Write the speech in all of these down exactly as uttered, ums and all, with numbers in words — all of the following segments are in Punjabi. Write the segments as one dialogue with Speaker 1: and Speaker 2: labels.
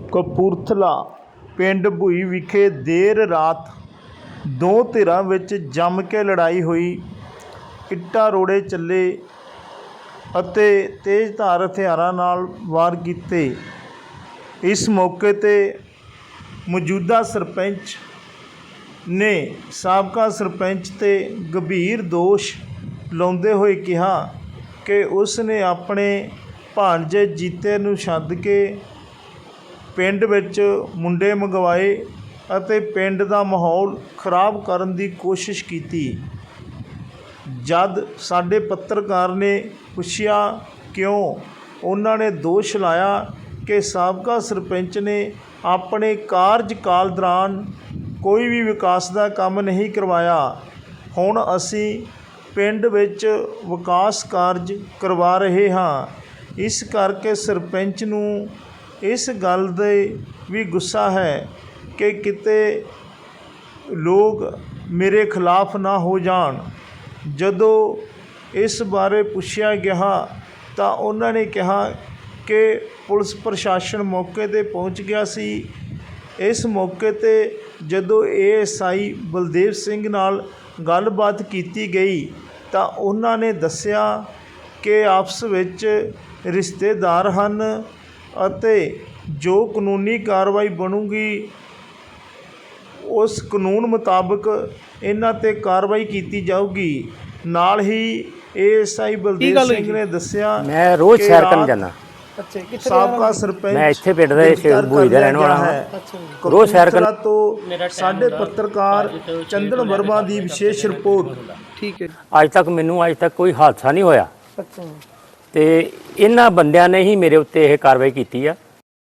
Speaker 1: ਕਪੂਰਥਲਾ ਪਿੰਡ ਭੂਈ ਵਿਖੇ ਦੇਰ ਰਾਤ ਦੋ ਧਿਰਾਂ ਵਿੱਚ ਜੰਮ ਕੇ ਲੜਾਈ ਹੋਈ। ਇੱਟਾਂ ਰੋੜੇ ਚੱਲੇ ਅਤੇ ਤੇਜ਼ਧਾਰ ਹਥਿਆਰਾਂ ਨਾਲ ਵਾਰ ਕੀਤੇ। ਇਸ ਮੌਕੇ 'ਤੇ ਮੌਜੂਦਾ ਸਰਪੰਚ ਨੇ ਸਾਬਕਾ ਸਰਪੰਚ 'ਤੇ ਗੰਭੀਰ ਦੋਸ਼ ਲਾਉਂਦੇ ਹੋਏ ਕਿਹਾ ਕਿ ਉਸ ਨੇ ਆਪਣੇ ਭਾਣਜੇ ਜੀਤੇ ਨੂੰ ਸੱਦ ਕੇ ਪਿੰਡ ਵਿੱਚ ਮੁੰਡੇ ਮੰਗਵਾਏ ਅਤੇ ਪਿੰਡ ਦਾ ਮਾਹੌਲ ਖਰਾਬ ਕਰਨ ਦੀ ਕੋਸ਼ਿਸ਼ ਕੀਤੀ। ਜਦ ਸਾਡੇ ਪੱਤਰਕਾਰ ਨੇ ਪੁੱਛਿਆ ਕਿਉਂ, ਉਹਨਾਂ ਨੇ ਦੋਸ਼ ਲਾਇਆ ਕਿ ਸਾਬਕਾ ਸਰਪੰਚ ਨੇ ਆਪਣੇ ਕਾਰਜਕਾਲ ਦੌਰਾਨ ਕੋਈ ਵੀ ਵਿਕਾਸ ਦਾ ਕੰਮ ਨਹੀਂ ਕਰਵਾਇਆ। ਹੁਣ ਅਸੀਂ ਪਿੰਡ ਵਿੱਚ ਵਿਕਾਸ ਕਾਰਜ ਕਰਵਾ ਰਹੇ ਹਾਂ। ਇਸ ਕਰਕੇ ਸਰਪੰਚ ਨੂੰ ਇਸ ਗੱਲ ਦੇ ਵੀ ਗੁੱਸਾ ਹੈ ਕਿ ਕਿਤੇ ਲੋਕ ਮੇਰੇ ਖਿਲਾਫ ਨਾ ਹੋ ਜਾਣ। ਜਦੋਂ ਇਸ ਬਾਰੇ ਪੁੱਛਿਆ ਗਿਆ ਤਾਂ ਉਹਨਾਂ ਨੇ ਕਿਹਾ ਕਿ ਪੁਲਿਸ ਪ੍ਰਸ਼ਾਸਨ ਮੌਕੇ 'ਤੇ ਪਹੁੰਚ ਗਿਆ ਸੀ। ਇਸ ਮੌਕੇ 'ਤੇ ਜਦੋਂ A S I Baldev Singh ਨਾਲ ਗੱਲਬਾਤ ਕੀਤੀ ਗਈ ਤਾਂ ਉਹਨਾਂ ਨੇ ਦੱਸਿਆ ਕਿ ਆਪਸ ਵਿੱਚ ਰਿਸ਼ਤੇਦਾਰ ਹਨ ਅਤੇ ਜੋ ਕਾਨੂੰਨੀ ਕਾਰਵਾਈ ਬਣੂਗੀ ਉਸ ਕਾਨੂੰਨ ਮੁਤਾਬਕ ਇਹਨਾਂ 'ਤੇ ਕਾਰਵਾਈ ਕੀਤੀ ਜਾਊਗੀ। ਨਾਲ ਹੀ A S I Baldev Singh ਨੇ ਦੱਸਿਆ
Speaker 2: ਮੈਂ ਰੋਜ਼ ਸੈਰ ਕਰਨ ਜਾਂਦਾ।
Speaker 1: ਸਾਬਕਾ ਸਰਪੰਚ
Speaker 2: ਮੈਂ ਇੱਥੇ ਪਿੰਡ ਦਾ ਸ਼ੇਰ ਭੂਈ ਦਾ ਰਹਿਣ ਵਾਲਾ ਹਾਂ। ਰੋਜ਼ ਸੈਰ ਕਰਨ
Speaker 1: ਤੋਂ ਸਾਡੇ ਪੱਤਰਕਾਰ ਚੰਦਨ ਵਰਮਾ ਦੀ ਵਿਸ਼ੇਸ਼ ਰਿਪੋਰਟ।
Speaker 3: ਠੀਕ ਹੈ।
Speaker 2: ਅੱਜ ਤੱਕ ਮੈਨੂੰ ਅੱਜ ਤੱਕ ਕੋਈ ਹਾਦਸਾ ਨਹੀਂ ਹੋਇਆ
Speaker 3: ਅੱਛਾ
Speaker 2: ਤੇ ਇਹਨਾਂ ਬੰਦਿਆਂ ਨੇ ਹੀ ਮੇਰੇ ਉੱਤੇ ਇਹ ਕਾਰਵਾਈ ਕੀਤੀ ਆ।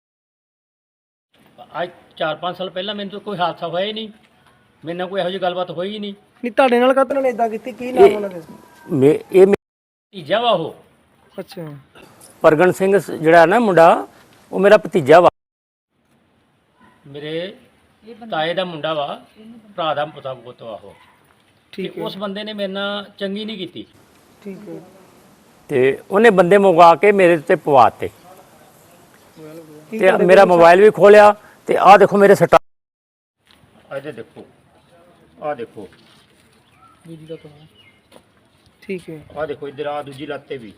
Speaker 4: ਅੱਜ ਚਾਰ ਪੰਜ ਸਾਲ ਪਹਿਲਾਂ ਮੈਨੂੰ ਤਾਂ ਕੋਈ ਹਾਦਸਾ ਹੋਇਆ ਹੀ ਨਹੀਂ, ਮੇਰੇ ਨਾਲ ਕੋਈ ਇਹੋ ਜਿਹੀ ਗੱਲਬਾਤ ਹੋਈ ਹੀ ਨਹੀਂ।
Speaker 3: ਨਹੀਂ ਤੁਹਾਡੇ ਨਾਲ ਕਾਹਤੋਂ ਨੇ ਇਦਾਂ ਕੀਤੀ? ਕੀ ਨਾਮ ਉਹਨਾਂ ਦਾ?
Speaker 2: ਮੇ ਇਹ
Speaker 4: ਭਤੀਜਾ ਵਾ ਉਹ।
Speaker 3: ਅੱਛਾ।
Speaker 2: ਪ੍ਰਗਣ ਸਿੰਘ ਜਿਹੜਾ ਨਾ ਮੁੰਡਾ, ਉਹ ਮੇਰਾ ਭਤੀਜਾ ਵਾ।
Speaker 4: ਮੇਰੇ ਤਾਏ ਦਾ ਮੁੰਡਾ ਵਾ, ਭਰਾ ਦਾ ਪੁੱਤਾ ਪੁੱਤ ਵਾ ਉਹ।
Speaker 3: ਠੀਕ ਹੈ।
Speaker 4: ਉਸ ਬੰਦੇ ਨੇ ਮੇਰੇ ਨਾਲ ਚੰਗੀ ਨਹੀਂ ਕੀਤੀ।
Speaker 3: ਠੀਕ ਹੈ।
Speaker 2: ਤੇ ਉਹਨੇ ਬੰਦੇ ਮੰਗਵਾ ਕੇ ਮੇਰੇ ਉੱਤੇ ਪਵਾਤੇ ਤੇ ਮੇਰਾ ਮੋਬਾਈਲ ਵੀ ਖੋਲਿਆ ਤੇ ਆਹ ਦੇਖੋ ਮੇਰੇ ਸੱਟਾਂ।
Speaker 4: ਇਹਦੇ ਦੇਖੋ, ਆਹ ਦੇਖੋ,
Speaker 3: ਠੀਕ ਹੈ।
Speaker 4: ਆਹ ਦੇਖੋ ਇੱਧਰ, ਆਹ ਦੂਜੀ ਲੱਤ ਤੇ ਵੀ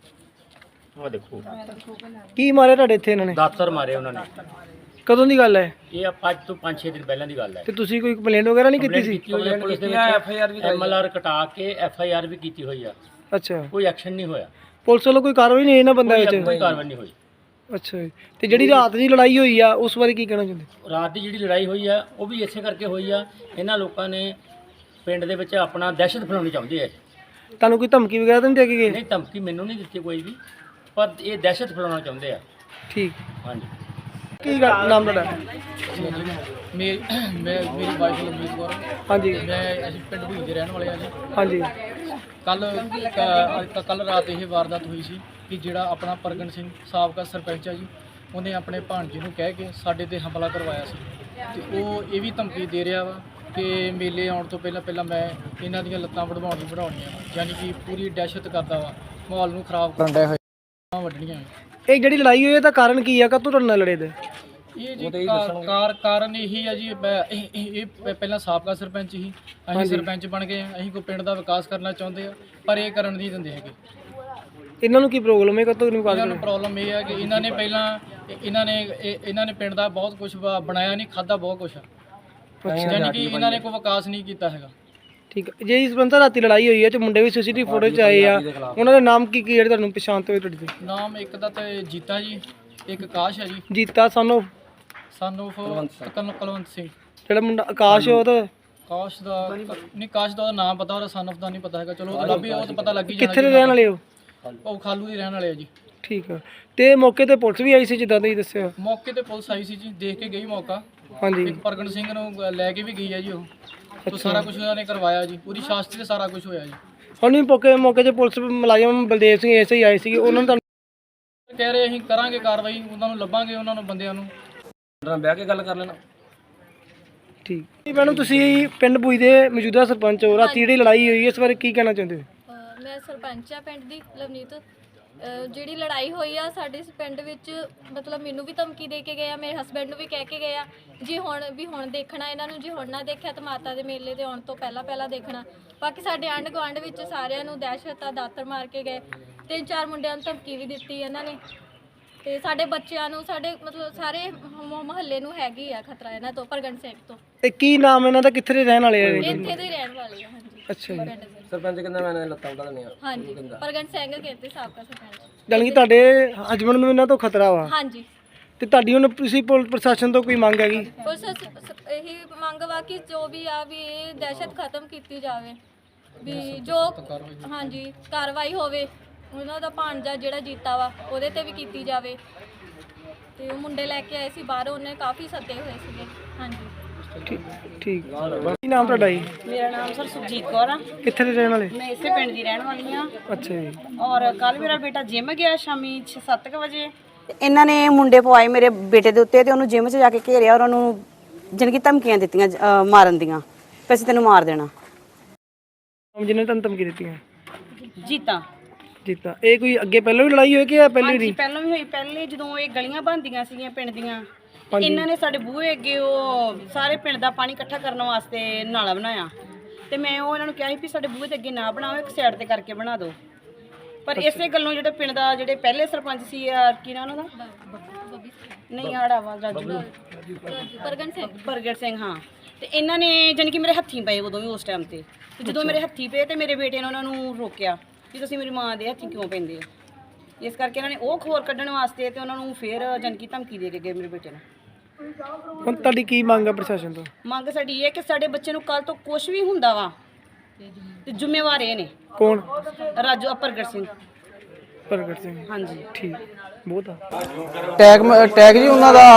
Speaker 4: ਆਹ ਦੇਖੋ।
Speaker 3: ਕੀ ਮਾਰਿਆ ਤੁਹਾਡੇ ਇੱਥੇ ਇਹਨਾਂ ਨੇ?
Speaker 4: ਦਾਤਰ ਮਾਰੇ ਉਹਨਾਂ ਨੇ।
Speaker 3: ਕਦੋਂ ਦੀ ਗੱਲ ਹੈ
Speaker 4: ਇਹ ਅੱਜ ਤੋਂ ਪੰਜ ਛੇ ਦਿਨ ਪਹਿਲਾਂ ਦੀ ਗੱਲ ਹੈ।
Speaker 3: ਤੇ ਤੁਸੀਂ ਕੋਈ ਕੰਪਲੇਂਟ ਵਗੈਰਾ ਨਹੀਂ ਕੀਤੀ ਸੀ?
Speaker 4: ਕੀਤੀ ਹੋਈ ਹੈ ਪੁਲਿਸ ਦੇ ਵਿੱਚ, ਐਫ ਆਈ ਆਰ ਵੀ ਐਮ ਐਲ ਆਰ ਕਟਾ ਕੇ ਐਫ ਆਈ ਆਰ ਵੀ ਕੀਤੀ ਹੋਈ ਆ।
Speaker 3: ਅੱਛਾ।
Speaker 4: ਕੋਈ ਐਕਸ਼ਨ ਨਹੀਂ ਹੋਇਆ,
Speaker 3: ਪੁਲਿਸ ਵੱਲੋਂ ਕੋਈ ਕਾਰਵਾਈ ਨਹੀਂ ਇਹਨਾਂ ਬੰਦਿਆਂ ਵਿੱਚ?
Speaker 4: ਕੋਈ ਕਾਰਵਾਈ ਨਹੀਂ ਹੋਈ।
Speaker 3: ਅੱਛਾ ਜੀ। ਤੇ ਜਿਹੜੀ ਰਾਤ ਦੀ ਲੜਾਈ ਹੋਈ ਆ ਉਸ ਬਾਰੇ ਕੀ ਕਹਿਣਾ ਚਾਹੁੰਦੇ?
Speaker 4: ਰਾਤ ਦੀ ਜਿਹੜੀ ਲੜਾਈ ਹੋਈ ਆ ਉਹ ਵੀ ਇਸੇ ਕਰਕੇ ਹੋਈ ਆ। ਇਹਨਾਂ ਲੋਕਾਂ ਨੇ ਪਿੰਡ ਦੇ ਵਿੱਚ ਆਪਣਾ ਦਹਿਸ਼ਤ ਫੈਲਾਉਣੀ ਚਾਹੁੰਦੇ ਆ।
Speaker 3: ਤੁਹਾਨੂੰ ਕੋਈ ਧਮਕੀ ਵਗੈਰਾ ਤਾਂ ਨਹੀਂ ਦੇ ਕੇ ਗਏ?
Speaker 4: ਨਹੀਂ, ਧਮਕੀ ਮੈਨੂੰ ਨਹੀਂ ਦਿੱਤੀ ਕੋਈ ਵੀ, ਪਰ ਇਹ ਦਹਿਸ਼ਤ ਫੈਲਾਉਣਾ ਚਾਹੁੰਦੇ ਆ।
Speaker 3: ਠੀਕ।
Speaker 4: ਹਾਂਜੀ।
Speaker 3: ਕੀ ਗੱਲ ਨਾਮ ਤੁਹਾਡਾ?
Speaker 5: ਮੇਰੀ ਮੈਂ ਮੇਰੀ ਵਾਈਫ ਲਵਜੀਤ ਕੌਰ।
Speaker 3: ਹਾਂਜੀ।
Speaker 5: ਮੈਂ ਅਸੀਂ ਪਿੰਡ ਭੂਈ ਦੇ ਰਹਿਣ ਵਾਲੇ ਹਾਂ ਜੀ।
Speaker 3: ਹਾਂਜੀ।
Speaker 5: ਕੱਲ ਕੱਲ ਰਾਤ ਇਹ ਵਾਰਦਾਤ ਹੋਈ ਸੀ ਕਿ ਜਿਹੜਾ ਆਪਣਾ ਪ੍ਰਗਣ ਸਿੰਘ ਸਾਬਕਾ ਸਰਪੰਚ ਆ ਜੀ, ਉਹਨੇ ਆਪਣੇ ਭਾਣਜੇ ਨੂੰ ਕਹਿ ਕੇ ਸਾਡੇ ਤੇ ਹਮਲਾ ਕਰਵਾਇਆ ਸੀ ਤੇ ਉਹ ਇਹ ਵੀ ਧਮਕੀ ਦੇ ਰਿਹਾ ਵਾ ਕਿ ਮੇਲੇ ਆਉਣ ਤੋਂ ਪਹਿਲਾਂ ਪਹਿਲਾਂ ਮੈਂ ਇਹਨਾਂ ਦੀਆਂ ਲੱਤਾਂ ਵਢਵਾਉਣੀ ਵਢਾਉਣੀਆਂ, ਯਾਨੀ ਕਿ ਪੂਰੀ ਦਹਿਸ਼ਤ ਕਰਦਾ ਵਾ, ਮਾਹੌਲ ਨੂੰ ਖਰਾਬ ਕਰਨ ਡਿਆ ਹੋਇਆ ਵੱਢਣੀਆਂ।
Speaker 3: ਇਹ ਜਿਹੜੀ ਲੜਾਈ ਹੋਈ ਇਹਦਾ ਕਾਰਨ ਕੀ ਆ? ਕਦੋਂ ਤੁਹਾਡੇ ਨਾਲ ਲੜੇ ਦੇ?
Speaker 5: ਇਹ ਜੀ ਕਾਰ- ਕਾਰ ਕਾਰਨ ਇਹੀ ਆ ਜੀ, ਮੈਂ- ਇਹ ਇਹ- ਇਹ ਪਹਿਲਾਂ ਸਾਬਕਾ ਸਰਪੰਚ ਸੀ, ਅਸੀਂ ਸਰਪੰਚ ਬਣ ਗਏ, ਅਸੀਂ ਕੋਈ ਪਿੰਡ ਦਾ ਵਿਕਾਸ ਕਰਨਾ ਚਾਹੁੰਦੇ ਆ ਪਰ ਇਹ ਕਰਨ ਨਹੀਂ ਦਿੰਦੇ ਹੈਗੇ।
Speaker 3: ਇਹਨਾਂ ਨੂੰ ਕੀ ਪ੍ਰੋਬਲਮ ਹੈ? ਕਦੋਂ ਨਹੀਂ
Speaker 5: ਇਹਨਾਂ ਨੂੰ ਪ੍ਰੋਬਲਮ ਇਹ ਹੈ ਕਿ ਇਹਨਾਂ ਨੇ ਪਹਿਲਾਂ ਇਹਨਾਂ ਨੇ ਇਹ- ਇਹਨਾਂ ਨੇ ਪਿੰਡ ਦਾ ਬਹੁਤ ਕੁਝ ਬਣਾਇਆ ਨਹੀਂ, ਖਾਦਾ ਬਹੁਤ ਕੁਝ, ਯਾਨੀ ਕਿ ਇਹਨਾਂ ਨੇ ਕੋਈ ਵਿਕਾਸ ਨਹੀਂ ਕੀਤਾ ਹੈਗਾ।
Speaker 3: ਠੀਕ ਹੈ। ਜੇ ਇਸ ਬੰਦਾ ਰਾਤੀ ਲੜਾਈ ਹੋਈ ਹੈ ਤੇ ਮੁੰਡੇ ਵੀ ਸੀਸੀਟੀਵੀ ਫੋਟੋ 'ਚ ਆਏ ਆ, ਉਹਨਾਂ ਦੇ ਨਾਮ ਕੀ ਕੀ ਜਿਹੜੇ ਤੁਹਾਨੂੰ ਪਛਾਣ ਤੇ ਹੋਏ ਤੁਹਾਡੇ ਤੇ?
Speaker 5: ਨਾਮ ਇੱਕ ਦਾ ਤੇ ਜੀਤਾ ਜੀ, ਇੱਕ ਆਕਾਸ਼ ਹੈ ਜੀ,
Speaker 3: ਜੀਤਾ ਸਾਨੂੰ
Speaker 5: ਸਾਨੂੰ ਕਲਵੰਤ ਕੁਲਵੰਤ ਸਿੰਘ।
Speaker 3: ਜਿਹੜਾ ਮੁੰਡਾ ਆਕਾਸ਼ ਉਹ ਤਾਂ
Speaker 5: ਆਕਾਸ਼ ਦਾ ਨਹੀਂ, ਆਕਾਸ਼ ਦਾ ਉਹਦਾ ਨਾਮ ਪਤਾ, ਉਹਦਾ ਸਨ ਆਫ ਦਾ ਨਹੀਂ ਪਤਾ ਹੈਗਾ। ਚਲੋ ਉਹਦਾ ਵੀ ਉਹ ਤਾਂ ਪਤਾ ਲੱਗ ਹੀ ਜਾਣਾ।
Speaker 3: ਕਿੱਥੇ ਦੇ ਰਹਿਣ ਵਾਲੇ ਹੋ?
Speaker 5: ਉਹ ਖਾਲੂ ਦੀ ਰਹਿਣ ਵਾਲੇ ਆ ਜੀ।
Speaker 3: ਠੀਕ ਆ। ਤੇ ਮੌਕੇ ਤੇ ਪੁਲਿਸ ਵੀ ਆਈ ਸੀ ਜਿੱਦਾਂ ਤੁਸੀਂ ਦੱਸਿਆ?
Speaker 5: ਮੌਕੇ ਤੇ ਪੁਲਿਸ ਆਈ ਸੀ ਜੀ, ਦੇਖ ਕੇ ਗਈ ਮੌਕਾ।
Speaker 3: ਹਾਂਜੀ।
Speaker 5: ਇੱਕ ਪ੍ਰਗਟ ਸਿੰਘ ਨੂੰ ਲੈ ਕੇ ਵੀ ਗਈ ਹੈ ਜੀ ਉਹ। ਉਹ ਸਾਰਾ ਕੁਝ ਉਹਨਾਂ ਨੇ ਕਰਵਾਇਆ ਜੀ, ਪੂਰੀ ਸ਼ਾਸਤਰੀ ਤੇ ਸਾਰਾ ਕੁਝ ਹੋਇਆ ਜੀ।
Speaker 3: ਹੁਣ ਵੀ ਮੌਕੇ ਮੌਕੇ 'ਤੇ ਪੁਲਿਸ ਮੁਲਾਜ਼ਮ ਬਲਦੇਵ ਸਿੰਘ ਐਸੇ ਹੀ ਆਏ ਸੀਗੇ, ਉਹਨਾਂ ਨੂੰ
Speaker 5: ਕਹਿ ਰਹੇ ਅਸੀਂ ਕਰਾਂਗੇ ਕਾਰਵਾਈ, ਉਹਨਾਂ ਨੂੰ ਲੱਭਾਂਗੇ, ਉਹਨਾਂ ਨੂੰ ਬੰਦਿਆਂ ਨੂੰ ਬਹਿ ਕੇ ਗੱਲ ਕਰ ਲੈਣਾ।
Speaker 3: ਠੀਕ। ਮੈਡਮ ਤੁਸੀਂ ਪਿੰਡ ਭੂਈ ਦੇ ਮੌਜੂਦਾ ਸਰਪੰਚ ਹੋ, ਰਾਤੀ ਜਿਹੜੀ ਲੜਾਈ ਹੋਈ ਇਸ ਬਾਰੇ ਕੀ ਕਹਿਣਾ ਚਾਹੁੰਦੇ ਹੋ?
Speaker 6: ਮੈਂ ਸਰਪੰਚ ਆ ਪਿੰਡ ਦੀ ਲਵਨੀਤ। ਅਹ ਜਿਹੜੀ ਲੜਾਈ ਹੋਈ ਆ ਸਾਡੇ ਇਸ ਪਿੰਡ ਵਿੱਚ, ਮਤਲਬ ਮੈਨੂੰ ਵੀ ਧਮਕੀ ਦੇ ਕੇ ਗਏ ਆ, ਮੇਰੇ ਹਸਬੈਂਡ ਨੂੰ ਵੀ ਕਹਿ ਕੇ ਗਏ ਆ ਜੀ ਹੁਣ ਵੀ ਹੁਣ ਦੇਖਣਾ ਇਹਨਾਂ ਨੂੰ, ਜੀ ਹੁਣ ਨਾ ਦੇਖਿਆ ਤਾਂ ਮਾਤਾ ਦੇ ਮੇਲੇ ਦੇ ਆਉਣ ਤੋਂ ਪਹਿਲਾਂ ਪਹਿਲਾਂ ਦੇਖਣਾ। ਬਾਕੀ ਸਾਡੇ ਆਂਢ ਗੁਆਂਢ ਵਿੱਚ ਸਾਰਿਆਂ ਨੂੰ ਦਹਿਸ਼ਤ ਆ, ਦਾਤਰ ਮਾਰ ਕੇ ਗਏ, ਤਿੰਨ ਚਾਰ ਮੁੰਡਿਆਂ ਨੂੰ ਧਮਕੀ ਵੀ ਦਿੱਤੀ ਇਹਨਾਂ ਨੇ, ਤੇ ਸਾਡੇ ਬੱਚਿਆਂ ਨੂੰ, ਸਾਡੇ ਮਤਲਬ ਸਾਰੇ ਮੁਹੱਲੇ ਨੂੰ ਹੈਗੀ ਆ ਖਤਰਾ ਇਹਨਾਂ ਤੋਂ, ਪ੍ਰਗਟ ਸਿੰਘ ਤੋਂ।
Speaker 3: ਤੇ ਕੀ ਨਾਮ ਇਹਨਾਂ ਦਾ, ਕਿੱਥੇ ਦੇ ਰਹਿਣ ਵਾਲੇ ਆ ਇਹ?
Speaker 6: ਇੱਥੇ ਦੇ ਹੀ ਰਹਿਣ ਵਾਲੇ ਆ। ਹਾਂਜੀ
Speaker 3: ਅੱਛਾ ਜੀ।
Speaker 6: ਪਿੰਡ ਦੇ।
Speaker 7: ਸਰਪੰਚ ਕਹਿੰਦਾ ਮੈਂ ਲੱਤਾਂ ਉਡਾ ਦਿੰਦੀ ਆ।
Speaker 6: ਹਾਂਜੀ ਪ੍ਰਗਟ ਸਿੰਘ ਕਹਿੰਦੇ ਸਾਬਕਾ ਸਰਪੰਚ।
Speaker 3: ਜਾਣੀ ਕਿ ਤੁਹਾਡੇ ਹਸਬੈਂਡ ਨੂੰ ਇਹਨਾਂ ਤੋਂ ਖਤਰਾ ਵਾ?
Speaker 6: ਹਾਂਜੀ।
Speaker 3: ਤੇ ਤੁਹਾਡੀ ਹੁਣ ਤੁਸੀਂ ਪੁਲਿਸ ਪ੍ਰਸ਼ਾਸਨ ਤੋਂ ਕੋਈ ਮੰਗ ਹੈਗੀ?
Speaker 6: ਪੁਲਿਸ ਇਹੀ ਮੰਗ ਵਾ ਕਿ ਜੋ ਵੀ ਆ ਵੀ ਇਹ ਦਹਿਸ਼ਤ ਖਤਮ ਕੀਤੀ ਜਾਵੇ, ਵੀ ਜੋ ਹਾਂਜੀ ਕਾਰਵਾਈ ਹੋਵੇ, ਉਹਨਾਂ ਦਾ ਭਾਣਜਾ ਜਿਹੜਾ ਜੀਤਾ ਵਾ ਉਹਦੇ ਤੇ ਵੀ ਕੀਤੀ ਜਾਵੇ। ਤੇ ਉਹ ਮੁੰਡੇ ਲੈ ਕੇ ਆਏ ਸੀ ਬਾਹਰੋਂ, ਉਹਨੇ ਕਾਫੀ ਸੱਦੇ ਹੋਏ ਸੀਗੇ। ਹਾਂਜੀ
Speaker 3: ਠੀਕ ਠੀਕ। ਕੀ ਨਾਮ ਤੁਹਾਡਾ ਜੀ?
Speaker 8: ਮੇਰਾ ਨਾਮ ਸਰ ਸੁਖਜੀਤ ਕੌਰ ਆ।
Speaker 3: ਕਿੱਥੇ ਦੇ ਰਹਿਣ ਵਾਲੇ?
Speaker 8: ਮੈਂ ਇਸੇ ਪਿੰਡ ਦੀ ਰਹਿਣ ਵਾਲੀ ਆ।
Speaker 3: ਅੱਛਾ ਜੀ।
Speaker 8: ਔਰ ਕੱਲ ਮੇਰਾ ਬੇਟਾ ਜਿਮ ਗਿਆ ਸ਼ਾਮੀ ਛੇ ਸੱਤ ਕੁ ਵਜੇ।
Speaker 9: ਤੇ ਇਹਨਾਂ ਨੇ ਮੁੰਡੇ ਪਵਾਏ ਮੇਰੇ ਬੇਟੇ ਦੇ ਉੱਤੇ, ਤੇ ਉਹਨੂੰ ਜਿਮ 'ਚ ਜਾ ਕੇ ਘੇਰਿਆ ਔਰ ਉਹਨੂੰ ਜਾਣੀ ਕਿ ਧਮਕੀਆਂ ਦਿੱਤੀਆਂ ਅਹ ਮਾਰਨ ਦੀਆਂ, ਕਿ ਅਸੀਂ ਤੈਨੂੰ ਮਾਰ ਦੇਣਾ।
Speaker 3: ਜਿਹਨੇ ਤੁਹਾਨੂੰ ਧਮਕੀ ਦਿੱਤੀਆਂ?
Speaker 8: ਜੀਤਾ
Speaker 3: ਜੀਤਾ। ਇਹ ਕੋਈ ਅੱਗੇ ਪਹਿਲਾਂ ਵੀ ਲੜਾਈ ਹੋਈ ਕਿ ਇਹ ਪਹਿਲੀ
Speaker 8: ਹਾਂਜੀ
Speaker 3: ਵਾਰੀ?
Speaker 8: ਪਹਿਲਾਂ ਵੀ ਹੋਈ। ਪਹਿਲੇ ਜਦੋਂ ਇਹ ਗਲੀਆਂ ਬਣਦੀਆਂ ਸੀਗੀਆਂ ਪਿੰਡ ਦੀਆਂ, ਤੇ ਇਹਨਾਂ ਨੇ ਸਾਡੇ ਬੂਹੇ ਅੱਗੇ ਉਹ ਸਾਰੇ ਪਿੰਡ ਦਾ ਪਾਣੀ ਇਕੱਠਾ ਕਰਨ ਵਾਸਤੇ ਨਾਲਾ ਬਣਾਇਆ, ਤੇ ਮੈਂ ਉਹ ਇਹਨਾਂ ਨੂੰ ਕਿਹਾ ਸੀ ਵੀ ਸਾਡੇ ਬੂਹੇ ਦੇ ਅੱਗੇ ਨਾ ਬਣਾਓ, ਇੱਕ ਸਾਈਡ ਤੇ ਕਰਕੇ ਬਣਾ ਦਿਓ। ਪਰ ਇਸੇ ਗੱਲੋਂ ਜਿਹੜੇ ਪਿੰਡ ਦਾ ਜਿਹੜੇ ਪਹਿਲੇ ਸਰਪੰਚ ਸੀ ਆ, ਕੀ ਨਾ ਉਹਨਾਂ ਦਾ, ਨਹੀਂ ਆੜਾ ਵਾ ਰਾਜੂ
Speaker 6: ਪ੍ਰਗਟ ਸਿੰਘ
Speaker 8: ਪ੍ਰਗਟ ਸਿੰਘ, ਹਾਂ। ਤੇ ਇਹਨਾਂ ਨੇ ਜਾਣੀ ਕਿ ਮੇਰੇ ਹੱਥੀਂ ਪਏ ਉਦੋਂ ਵੀ ਉਸ ਟਾਈਮ ਤੇ, ਤੇ ਜਦੋਂ ਮੇਰੇ ਹੱਥੀਂ ਪਏ ਤੇ ਮੇਰੇ ਬੇਟੇ ਨੇ ਉਹਨਾਂ ਨੂੰ ਰੋਕਿਆ ਕਿ ਤੁਸੀਂ ਮੇਰੀ ਮਾਂ ਦੇ ਹੱਥੀਂ ਕਿਉਂ ਪੈਂਦੇ ਹੋ। ਇਸ ਕਰਕੇ ਇਹਨਾਂ ਨੇ ਉਹ ਖੋਰ ਕੱਢਣ ਵਾਸਤੇ ਤੇ ਉਹਨਾਂ ਨੂੰ ਫੇਰ ਜਾਣੀ ਕਿ ਧਮਕੀ ਦੇ ਕੇ ਗਏ ਮੇਰੇ ਬੇਟੇ ਨੂੰ।
Speaker 3: ਹੁਣ ਤੁਹਾਡੀ ਕੀ ਮੰਗ ਆ ਪ੍ਰਸ਼ਾਸਨ ਤੋਂ?
Speaker 8: ਮੰਗ ਸਾਡੀ ਇਹ ਹੈ ਕਿ ਸਾਡੇ ਬੱਚੇ ਨੂੰ ਕੱਲ ਤੋਂ ਕੁਝ ਵੀ ਹੁੰਦਾ ਵਾ ਤੇ ਜ਼ਿੰਮੇਵਾਰ ਇਹ ਨੇ।
Speaker 3: ਕੌਣ?
Speaker 8: ਰਾਜੂ ਪ੍ਰਗਟ ਸਿੰਘ।
Speaker 3: ਪ੍ਰਗਟ ਸਿੰਘ।
Speaker 8: ਹਾਂਜੀ
Speaker 3: ਠੀਕ, ਬਹੁਤ ਆ।
Speaker 7: ਟੈਗ ਟੈਗ ਜੀ ਉਹਨਾਂ ਦਾ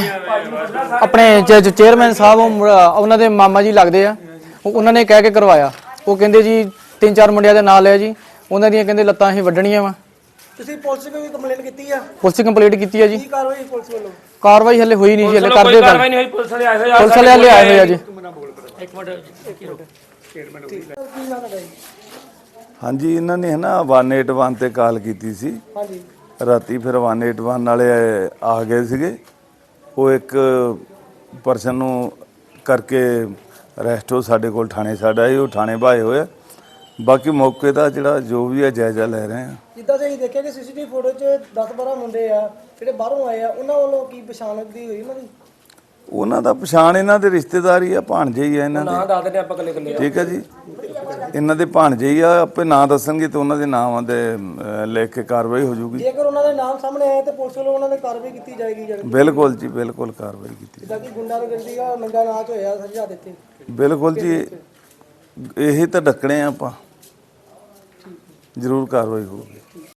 Speaker 7: ਆਪਣੇ ਜੋ ਚੇਅਰਮੈਨ ਸਾਹਿਬ ਉਹ ਮੁੰਡਾ- ਉਹਨਾਂ ਦੇ ਮਾਮਾ ਜੀ ਲੱਗਦੇ ਆ, ਉਹ ਉਹਨਾਂ ਨੇ ਕਹਿ ਕੇ ਕਰਵਾਇਆ। ਉਹ ਕਹਿੰਦੇ ਜੀ ਤਿੰਨ ਚਾਰ ਮੁੰਡਿਆਂ ਦੇ ਨਾਂ ਲਿਆ ਜੀ, ਉਹਨਾਂ ਦੀਆਂ ਕਹਿੰਦੇ ਲੱਤਾਂ ਅਸੀਂ ਵੱਢਣੀਆਂ ਵਾ।
Speaker 3: ਤੁਸੀਂ ਪੁਲਿਸ ਨੂੰ ਵੀ ਕੰਪਲੇਂਟ ਕੀਤੀ ਆ?
Speaker 7: ਪੁਲਿਸ ਕੰਪਲੀਟ ਕੀਤੀ ਹੈ ਜੀ।
Speaker 3: ਕੀ ਕਾਰਵਾਈ ਪੁਲਿਸ ਵੱਲੋਂ?
Speaker 7: ਕਾਰਵਾਈ ਹਲੇ ਹੋਈ ਨਹੀਂ ਜੀ, ਹਲੇ ਕਰਦੇ ਗੱਲ।
Speaker 2: ਕਾਰਵਾਈ ਨਹੀਂ ਹੋਈ, ਪੁਲਿਸ ਵਾਲੇ ਆਏ ਹੋਏ ਆ।
Speaker 7: ਪੁਲਿਸ ਵਾਲੇ ਹਲੇ ਆਏ ਹੋਏ ਆ ਜੀ।
Speaker 2: ਇੱਕ ਮਿੰਟ
Speaker 10: ਹਾਂਜੀ, ਇਹਨਾਂ ਨੇ ਹੈ ਨਾ ਵਨ ਏਟ ਵਨ ਤੇ ਕਾਲ ਕੀਤੀ ਸੀ।
Speaker 3: ਹਾਂਜੀ।
Speaker 10: ਰਾਤੀ ਫਿਰ ਵਨ ਏਟ ਵਨ ਵਾਲੇ ਆ ਗਏ ਸੀਗੇ। ਉਹ ਇੱਕ ਪਰਸਨ ਨੂੰ ਕਰਕੇ ਅਰੈਸਟ ਹੋ ਸਾਡੇ ਕੋਲ ਥਾਣੇ ਸਾਡਾ ਹੀ ਉਹ ਥਾਣੇ ਭਾਏ ਹੋਏ। ਬਾਕੀ ਮੌਕੇ ਦਾ ਜਿਹੜਾ ਜੋ ਵੀ ਹੈ ਜਾਇਜ਼ਾ ਲੈ ਰਹੇ ਆ।
Speaker 3: ਜਿੱਦਾਂ ਤੁਸੀਂ ਦੇਖਿਆ ਕਿ ਸੀਸੀਟੀਵੀ ਫੋਟੋ 'ਚ ਦਸ ਬਾਰਾਂ ਮੁੰਡੇ ਆ ਜਿਹੜੇ ਬਾਹਰੋਂ ਆਏ ਆ, ਉਹਨਾਂ ਵੱਲੋਂ ਕੀ ਪਛਾਣ ਦੀ ਹੋਈ ਉਹਨਾਂ ਦੀ?
Speaker 10: ਉਹਨਾਂ ਦਾ ਪਛਾਣ ਇਹਨਾਂ ਦੇ ਰਿਸ਼ਤੇਦਾਰੀ ਆ, ਭਾਣਜੇ ਹੀ ਆ ਇਹਨਾਂ ਦੇ।
Speaker 7: ਨਾਂ ਦੱਸ ਦਿੰਦੇ ਆਪਾਂ ਕੱਲੇ ਕੱਲੇ।
Speaker 10: ਠੀਕ ਹੈ ਜੀ, ਇਹਨਾਂ ਦੇ ਭਾਣਜੇ ਹੀ ਆ, ਆਪੇ ਨਾਂ ਦੱਸਣਗੇ ਤੇ ਉਹਨਾਂ ਦੇ ਨਾਮਾਂ ਦੇ ਅਹ, ਲਿਖ ਕੇ ਕਾਰਵਾਈ ਹੋ ਜਾਊਗੀ।
Speaker 3: ਜੇਕਰ ਉਹਨਾਂ ਦੇ ਨਾਮ ਸਾਹਮਣੇ ਆਏ ਤੇ ਪੁਲਿਸ ਵੱਲੋਂ ਉਹਨਾਂ ਦੇ ਕਾਰਵਾਈ ਕੀਤੀ ਜਾਏਗੀ? ਜਾਣੀ
Speaker 10: ਬਿਲਕੁਲ ਜੀ, ਬਿਲਕੁਲ ਕਾਰਵਾਈ ਕੀਤੀ।
Speaker 3: ਜਿੱਦਾਂ ਕਿ ਗੁੰਡਾਗਰਦੀ ਦਾ ਨੰਗਾ ਨਾਚ ਹੋਇਆ ਸਜ਼ਾ ਦਿੱਤੇ।
Speaker 10: ਬਿਲਕੁਲ ਜੀ, ਇਹੀ ਤਾਂ ਡੱਕਣੇ ਆ ਆਪਾਂ, ਜ਼ਰੂਰ ਕਾਰਵਾਈ ਹੋਊਗੀ।